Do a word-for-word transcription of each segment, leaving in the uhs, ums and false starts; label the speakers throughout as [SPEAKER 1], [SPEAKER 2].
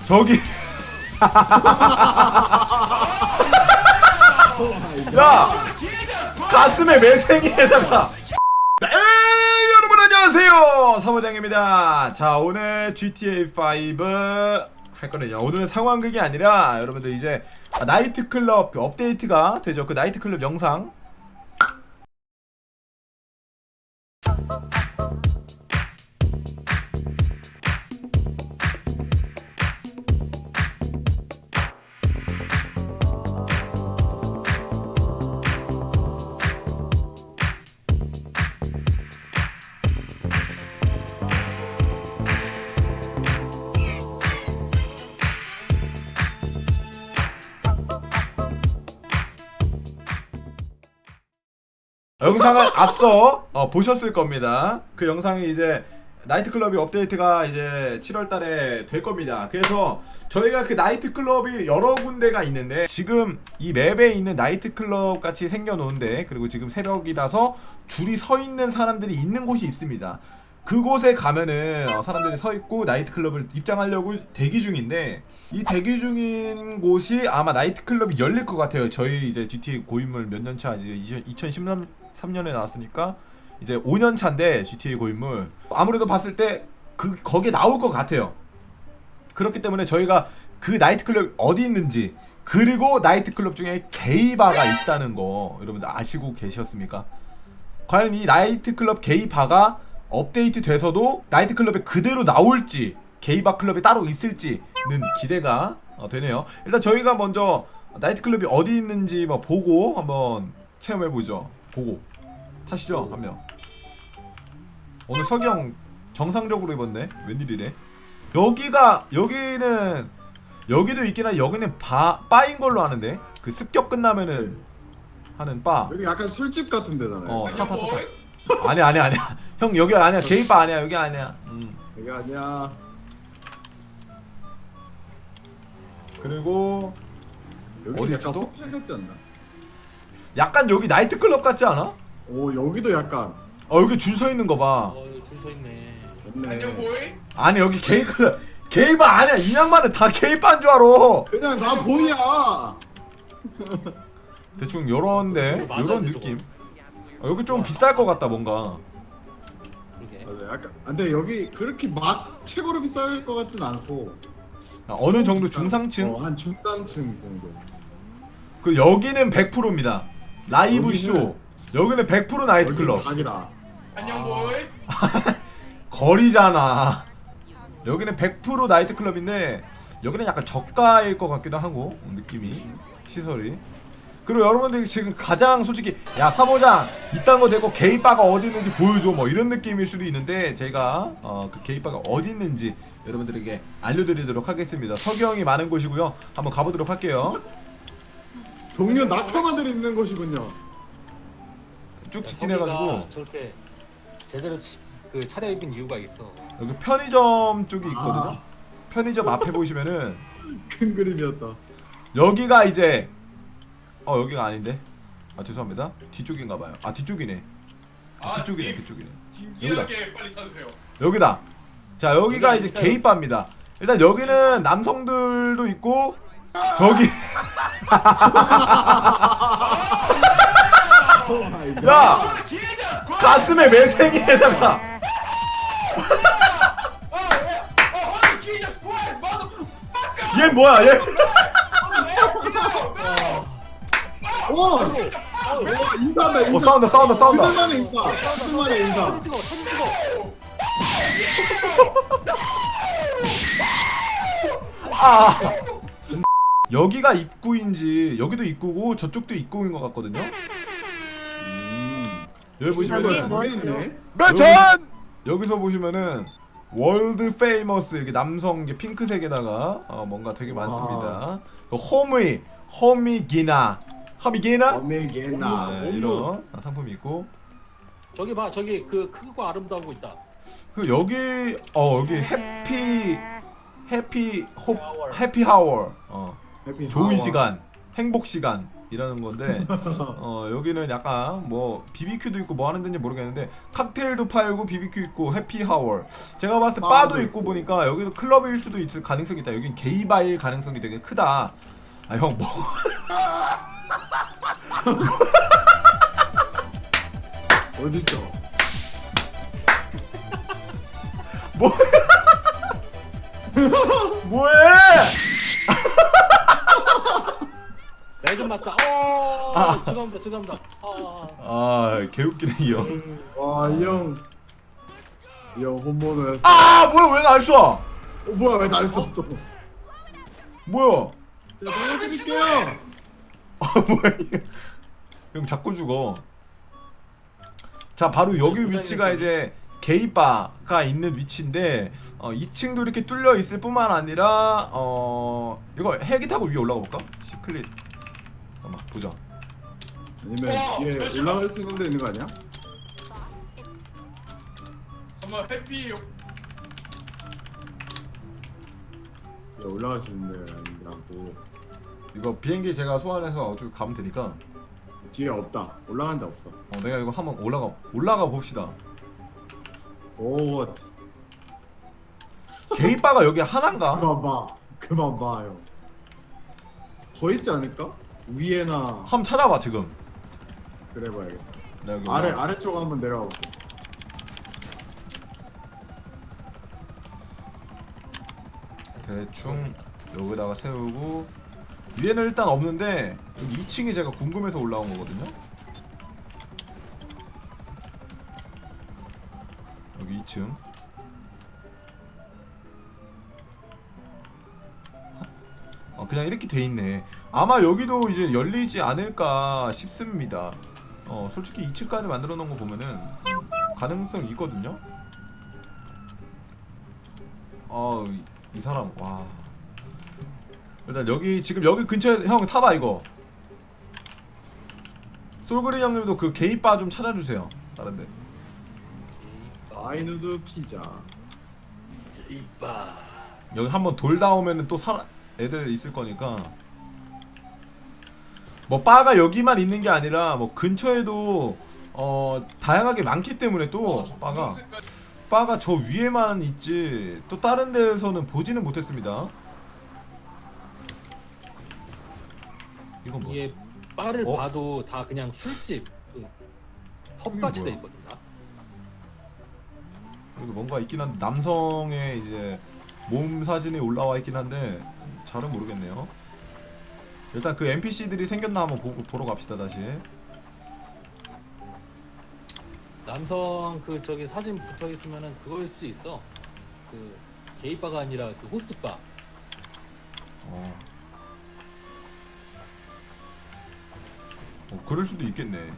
[SPEAKER 1] 저기 야 가슴에 매생이에다가 네 여러분 안녕하세요 사무장입니다. 자 오늘 지티에이 파이브 할 거는요, 오늘은 상황극이 아니라 여러분들 이제 나이트클럽 그 업데이트가 되죠. 그 나이트클럽 영상 영상을 앞서 어, 보셨을 겁니다. 그 영상이 이제 나이트클럽이 업데이트가 이제 칠월 달에 될 겁니다. 그래서 저희가 그 나이트클럽이 여러 군데가 있는데 지금 이 맵에 있는 나이트클럽 같이 생겨놓은데, 그리고 지금 새벽이라서 줄이 서 있는 사람들이 있는 곳이 있습니다. 그곳에 가면은 어, 사람들이 서 있고 나이트클럽을 입장하려고 대기 중인데, 이 대기 중인 곳이 아마 나이트클럽이 열릴 것 같아요. 저희 이제 지티에이 고인물 몇 년 차, 이제 이천십삼 년에 나왔으니까 이제 오 년 차인데 지티에이 고인물 아무래도 봤을 때 그 거기에 나올 것 같아요. 그렇기 때문에 저희가 그 나이트클럽이 어디 있는지, 그리고 나이트클럽 중에 게이바가 있다는 거 여러분들 아시고 계셨습니까? 과연 이 나이트클럽 게이바가 업데이트 돼서도 나이트클럽에 그대로 나올지, 게이바 클럽이 따로 있을지는 기대가 어, 되네요. 일단 저희가 먼저 나이트클럽이 어디 있는지 뭐 보고 한번 체험해보죠. 보고 타시죠. 한 명. 오늘 석영 정상적으로 입었네. 웬일이래. 여기가 여기는 여기도 있긴 한데 여기는 바, 바인 걸로 아는데, 그 습격 끝나면은 하는 바.
[SPEAKER 2] 여기 약간 술집 같은 데잖아요.
[SPEAKER 1] 어, 타 타 타 타. 아니야 아니야 아니야. 형 여기 아니야. 게이바 아니야. 여기 아니야. 음.
[SPEAKER 2] 여기 아니야.
[SPEAKER 1] 그리고
[SPEAKER 2] 여기
[SPEAKER 1] 어디
[SPEAKER 2] 약간
[SPEAKER 1] 있지도?
[SPEAKER 2] 호텔 같지 않나?
[SPEAKER 1] 약간 여기 나이트클럽 같지 않아?
[SPEAKER 2] 오 여기도 약간.
[SPEAKER 1] 어 여기 줄 서 있는 거 봐.
[SPEAKER 3] 어, 여기 줄 서 있네.
[SPEAKER 2] 좋네.
[SPEAKER 4] 안녕 보이?
[SPEAKER 1] 아니 여기 게이클럽 게이바 아니야. 이 양반은 다 게이바인 줄 알아.
[SPEAKER 2] 그냥 다 보이야.
[SPEAKER 1] 대충 요런데
[SPEAKER 3] 맞아,
[SPEAKER 1] 요런
[SPEAKER 3] 저거.
[SPEAKER 1] 느낌. 어, 여기 좀 비쌀 것 같다 뭔가.
[SPEAKER 3] 그러게.
[SPEAKER 2] 맞아, 약간. 아, 근데 여기 그렇게 막 최고로 비쌀 것 같진 않고.
[SPEAKER 1] 아, 어느 정도 중상층?
[SPEAKER 2] 어, 한 중상층 정도.
[SPEAKER 1] 그 여기는 백 퍼센트입니다. 라이브
[SPEAKER 2] 여기는-
[SPEAKER 1] 쇼. 여기는 백 퍼센트 나이트클럽.
[SPEAKER 2] 여기 각이다.
[SPEAKER 4] 안녕
[SPEAKER 3] 아.
[SPEAKER 4] 보이?
[SPEAKER 1] 거리잖아. 여기는 백 퍼센트 나이트클럽인데 여기는 약간 저가일 것 같기도 하고, 느낌이, 시설이. 그리고 여러분들이 지금 가장 솔직히 야 사모장 이딴 거 대고 게이바가 어디 있는지 보여줘 뭐 이런 느낌일 수도 있는데, 제가 어, 그 게이바가 어디 있는지 여러분들에게 알려드리도록 하겠습니다. 석영이 많은 곳이고요. 한번 가보도록 할게요.
[SPEAKER 2] 동료 낙하마들이 있는 곳이군요.
[SPEAKER 1] 쭉
[SPEAKER 3] 야,
[SPEAKER 1] 직진해가지고
[SPEAKER 3] 서기가 저렇게 제대로 치, 그 차려입은 이유가 있어.
[SPEAKER 1] 여기 편의점 쪽이 있거든요.
[SPEAKER 2] 아.
[SPEAKER 1] 편의점 앞에 보시면은
[SPEAKER 2] 큰 그림이었다.
[SPEAKER 1] 여기가 이제 어 여기가 아닌데, 아 죄송합니다. 뒤쪽인가봐요. 아 뒤쪽이네. 아, 뒤쪽이네 뒤쪽이네.
[SPEAKER 4] 진지하게 빨리 타주세요.
[SPEAKER 1] 여기다. 자 여기가
[SPEAKER 3] 여기
[SPEAKER 1] 이제
[SPEAKER 3] 아닐까요?
[SPEAKER 1] 게이바입니다. 일단 여기는 남성들도 있고 저기 야 가슴에 매생이에다가 얘 뭐야 얘.
[SPEAKER 2] 오! 오 인사다 인사.
[SPEAKER 1] 어 싸운다 싸운다 싸운다.
[SPEAKER 2] 그들만의 인사. 그들만의 인사.
[SPEAKER 3] 사진 찍어, 사진 찍어.
[SPEAKER 1] 아 여기가 입구인지, 여기도 입구고 저쪽도 입구인 것 같거든요. 음. 여기 보시면은
[SPEAKER 2] 뭐 있네?
[SPEAKER 1] 매천! 여기서 보시면은 월드 페이머스 이렇게 남성 이게 핑크색에다가 어, 뭔가 되게 많습니다. 그 호미 호미기나 호미기나
[SPEAKER 2] 어메게나.
[SPEAKER 1] 네, 이런 상품이 있고,
[SPEAKER 3] 저기 봐, 저기 그 크고 아름다운 거 있다.
[SPEAKER 1] 그 여기 어 여기 해피 해피 호
[SPEAKER 3] 하워.
[SPEAKER 1] 해피 하워 어
[SPEAKER 2] 해피
[SPEAKER 1] 좋은
[SPEAKER 2] 하워.
[SPEAKER 1] 시간 행복 시간 이라는 건데 어 여기는 약간 뭐 비비큐도 있고 뭐 하는 데인지 모르겠는데 칵테일도 팔고 비비큐 있고 해피하워 제가 봤을 때 바도,
[SPEAKER 2] 바도
[SPEAKER 1] 있고
[SPEAKER 2] 있고.
[SPEAKER 1] 보니까 여기도 클럽일 수도 있을 가능성이 있다. 여긴 게이바일 가능성이 되게 크다. 아 형 뭐
[SPEAKER 2] 어딨어?
[SPEAKER 1] 뭐 뭐해?
[SPEAKER 3] 날좀 맞자. 어.
[SPEAKER 1] 아.
[SPEAKER 3] 죄송합니다. 죄송합니다. 아.
[SPEAKER 1] 아 개웃기네 이 형.
[SPEAKER 2] 와, 이 형. 이 형 홈모노였어.
[SPEAKER 1] 아 뭐야 왜 날 쏴?
[SPEAKER 2] 어, 뭐야, 왜 날 썼어?
[SPEAKER 1] 뭐야?
[SPEAKER 2] 제가 살려드릴게요.
[SPEAKER 1] 아 뭐야 이 형 자꾸 죽어. 자 바로 여기 위치가 이제 게이바가 있는 위치인데 어, 이 층도 이렇게 뚫려 있을 뿐만 아니라 어 이거 헬기 타고 위에 올라가 볼까? 시클릿 잠깐만 보자.
[SPEAKER 2] 아니면
[SPEAKER 4] 와,
[SPEAKER 2] 뒤에
[SPEAKER 4] 잠시만.
[SPEAKER 2] 올라갈 수 있는 데 있는 거 아니야?
[SPEAKER 4] 정말 해피.
[SPEAKER 2] 뒤에 올라갈 수 있는 데 아니라고.
[SPEAKER 1] 이거 비행기 제가 소환해서 어차피 가면 되니까
[SPEAKER 2] 뒤에 없다. 올라간 데 없어.
[SPEAKER 1] 어, 내가 이거 한번 올라가 올라가 봅시다.
[SPEAKER 2] 오,
[SPEAKER 1] 게이바가 여기 하나인가?
[SPEAKER 2] 그만 봐. 그만 봐요. 더 있지 않을까? 위에나
[SPEAKER 1] 한번 찾아봐 지금.
[SPEAKER 2] 그래 봐야겠다.
[SPEAKER 1] 나 여기
[SPEAKER 2] 아래
[SPEAKER 1] 올라가.
[SPEAKER 2] 아래쪽 한번 내려가 볼게.
[SPEAKER 1] 대충 여기다가 세우고 위에는 일단 없는데 여기 이 층이 제가 궁금해서 올라온 거거든요. 여기 이 층. 어, 그냥 이렇게 돼 있네. 아마 여기도 이제 열리지 않을까 싶습니다. 어, 솔직히 이 층까지 만들어 놓은 거 보면은 가능성 있거든요. 어, 이, 이 사람 와. 일단 여기 지금 여기 근처에 형 타봐 이거. 솔그린 형님도 그 게이바 좀 찾아주세요. 다른데.
[SPEAKER 2] 아이누드 피자.
[SPEAKER 3] 이빠.
[SPEAKER 1] 여기 한번 돌다 오면은 또 사, 애들 있을 거니까. 뭐 바가 여기만 있는 게 아니라 뭐 근처에도 어 다양하게 많기 때문에 또 바가 바가 저 위에만 있지 또 다른 데에서는 보지는 못했습니다. 이건 뭐?
[SPEAKER 3] 이게 바를
[SPEAKER 1] 어?
[SPEAKER 3] 봐도 다 그냥 술집 그 펍같이 돼
[SPEAKER 1] 뭐야?
[SPEAKER 3] 있거든요.
[SPEAKER 1] 여기 뭔가 있긴 한데 남성의 이제 몸 사진이 올라와 있긴 한데 잘은 모르겠네요. 일단 그 엔피씨들이 생겼나 한번 보, 보러 갑시다 다시.
[SPEAKER 3] 남성 그 저기 사진 붙어 있으면은 그거일 수 있어. 그 게이바가 아니라 그 호스트바.
[SPEAKER 1] 어. 어, 그럴 수도 있겠네.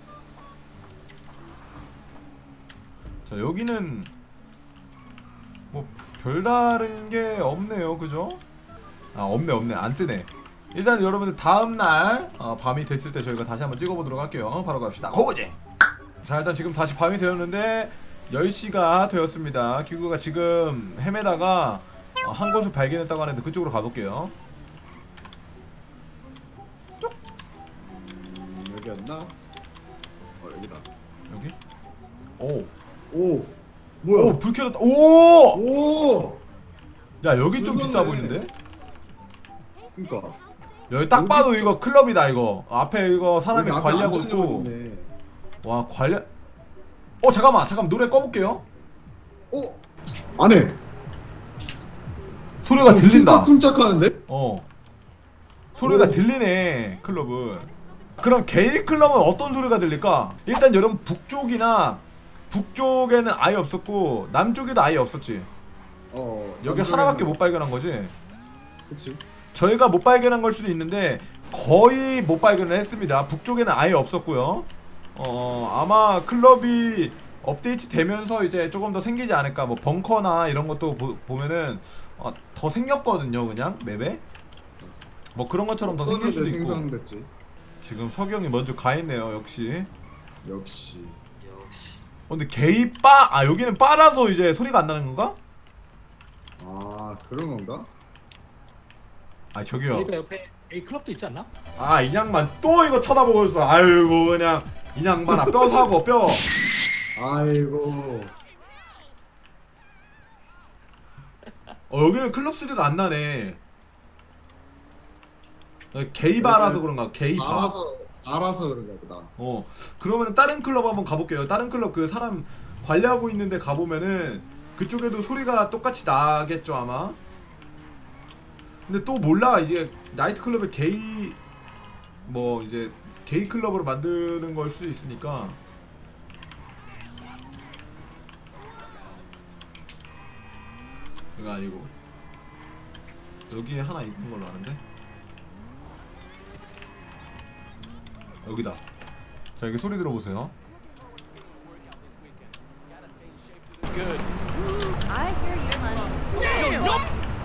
[SPEAKER 1] 자, 여기는 뭐 별다른 게 없네요, 그죠? 아, 없네, 없네, 안 뜨네. 일단 여러분들 다음 날 어, 밤이 됐을 때 저희가 다시 한번 찍어보도록 할게요. 바로 갑시다. 고고제. 자, 일단 지금 다시 밤이 되었는데 열 시가 되었습니다. 기구가 지금 헤매다가 어, 한 곳을 발견했다고 하는데 그쪽으로 가볼게요.
[SPEAKER 2] 음, 여기였나? 어, 여기다.
[SPEAKER 1] 여기? 오.
[SPEAKER 2] 오, 뭐야?
[SPEAKER 1] 오, 불 켜졌다. 오!
[SPEAKER 2] 오,
[SPEAKER 1] 야, 여기 좀
[SPEAKER 2] 무서운데.
[SPEAKER 1] 비싸 보이는데?
[SPEAKER 2] 그러니까.
[SPEAKER 1] 여기 딱
[SPEAKER 2] 여기
[SPEAKER 1] 봐도
[SPEAKER 2] 좀-
[SPEAKER 1] 이거 클럽이다 이거. 앞에 이거 사람이
[SPEAKER 2] 여기 앞에
[SPEAKER 1] 관리하고
[SPEAKER 2] 안전요원
[SPEAKER 1] 있고.
[SPEAKER 2] 있네.
[SPEAKER 1] 와, 관리. 어, 잠깐만. 잠깐 노래 꺼 볼게요.
[SPEAKER 2] 오, 안에
[SPEAKER 1] 소리가 들린다.
[SPEAKER 2] 쿵짝쿵짝하는데?
[SPEAKER 1] 어. 소리가
[SPEAKER 2] 오.
[SPEAKER 1] 들리네. 클럽은. 그럼 게이 클럽은 어떤 소리가 들릴까? 일단 여러분 북쪽이나 북쪽에는 아예 없었고 남쪽에도 아예 없었지.
[SPEAKER 2] 어,
[SPEAKER 1] 여기
[SPEAKER 2] 남쪽에는-
[SPEAKER 1] 하나밖에 못 발견한 거지.
[SPEAKER 2] 그치?
[SPEAKER 1] 저희가 못 발견한 걸 수도 있는데 거의 못 발견을 했습니다. 북쪽에는 아예 없었고요. 어 아마 클럽이 업데이트 되면서 이제 조금 더 생기지 않을까. 뭐 벙커나 이런 것도 보, 보면은 어, 더 생겼거든요. 그냥 맵에 뭐 그런 것처럼 더 생길 수도 있고.
[SPEAKER 2] 생성됐지.
[SPEAKER 1] 지금 석영이 먼저 가 있네요. 역시.
[SPEAKER 2] 역시.
[SPEAKER 3] 역시.
[SPEAKER 1] 어, 근데 게이 바, 아 여기는 바라서 이제 소리가 안 나는 건가?
[SPEAKER 2] 아, 그런 건가?
[SPEAKER 1] 아 저기요.
[SPEAKER 3] 게이바 옆에 A 클럽도 있지 않나?
[SPEAKER 1] 아 인양만 또 이거 쳐다보고 있어. 아이고 그냥 인양만아 뼈 사고 뼈.
[SPEAKER 2] 아이고.
[SPEAKER 1] 어 여기는 클럽 쓰리가 안 나네. 어, 게이바라서 그런가 게이바.
[SPEAKER 2] 알아서 알아서 그런가 보다.
[SPEAKER 1] 어 그러면은 다른 클럽 한번 가볼게요. 다른 클럽 그 사람 관리하고 있는데 가보면은 그쪽에도 소리가 똑같이 나겠죠 아마. 근데 또 몰라 이제 나이트 클럽의 게이 뭐 이제 게이 클럽으로 만드는 걸 수도 있으니까. 이거 아니고 여기에 하나 있는 걸로 아는데 여기다. 자 여기 소리 들어보세요.
[SPEAKER 5] I hear you, honey.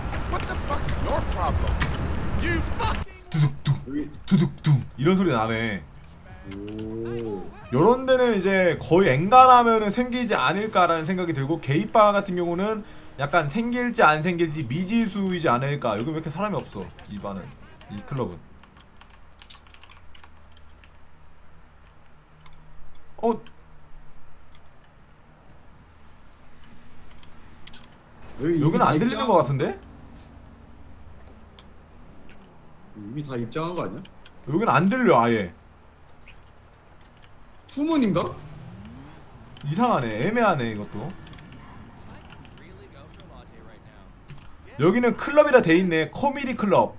[SPEAKER 1] 두둑둥
[SPEAKER 2] 여기.
[SPEAKER 1] 두둑둥 이런 소리 나네.
[SPEAKER 2] 오.
[SPEAKER 1] 요런 데는 이제 거의 엔간하면은 생기지 않을까라는 생각이 들고 게이바 같은 경우는 약간 생길지 안 생길지 미지수이지 않을까. 여기 왜 이렇게 사람이 없어 이 바는 이 클럽은. 어
[SPEAKER 2] 여기
[SPEAKER 1] 여기는 안 들리는
[SPEAKER 2] 입장-
[SPEAKER 1] 것 같은데?
[SPEAKER 2] 이미 다 입장한 거 아니야?
[SPEAKER 1] 여기는 안 들려 아예.
[SPEAKER 2] 후문인가?
[SPEAKER 1] 이상하네. 애매하네 이것도. 여기는 클럽이라 돼있네. 코미디 클럽.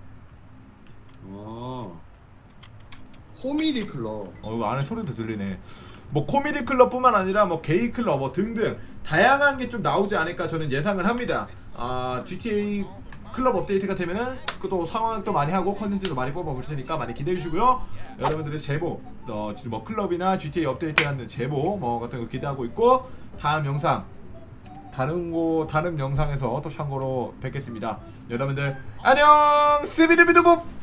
[SPEAKER 2] 아. 코미디 클럽.
[SPEAKER 1] 어 이거 안에 소리도 들리네. 뭐 코미디 클럽뿐만 아니라 뭐 게이 클럽 뭐 등등 다양한 게 좀 나오지 않을까 저는 예상을 합니다. 아 지티에이 클럽 업데이트가 되면은 또 상황도 많이 하고 컨텐츠도 많이 뽑아볼 테니까 많이 기대해 주시고요. 여러분들의 제보, 어, 뭐 클럽이나 지티에이 업데이트하는 제보 뭐 같은 거 기대하고 있고 다음 영상 다른 곳 다른 영상에서 또 참고로 뵙겠습니다. 여러분들 안녕 스비드비드봅.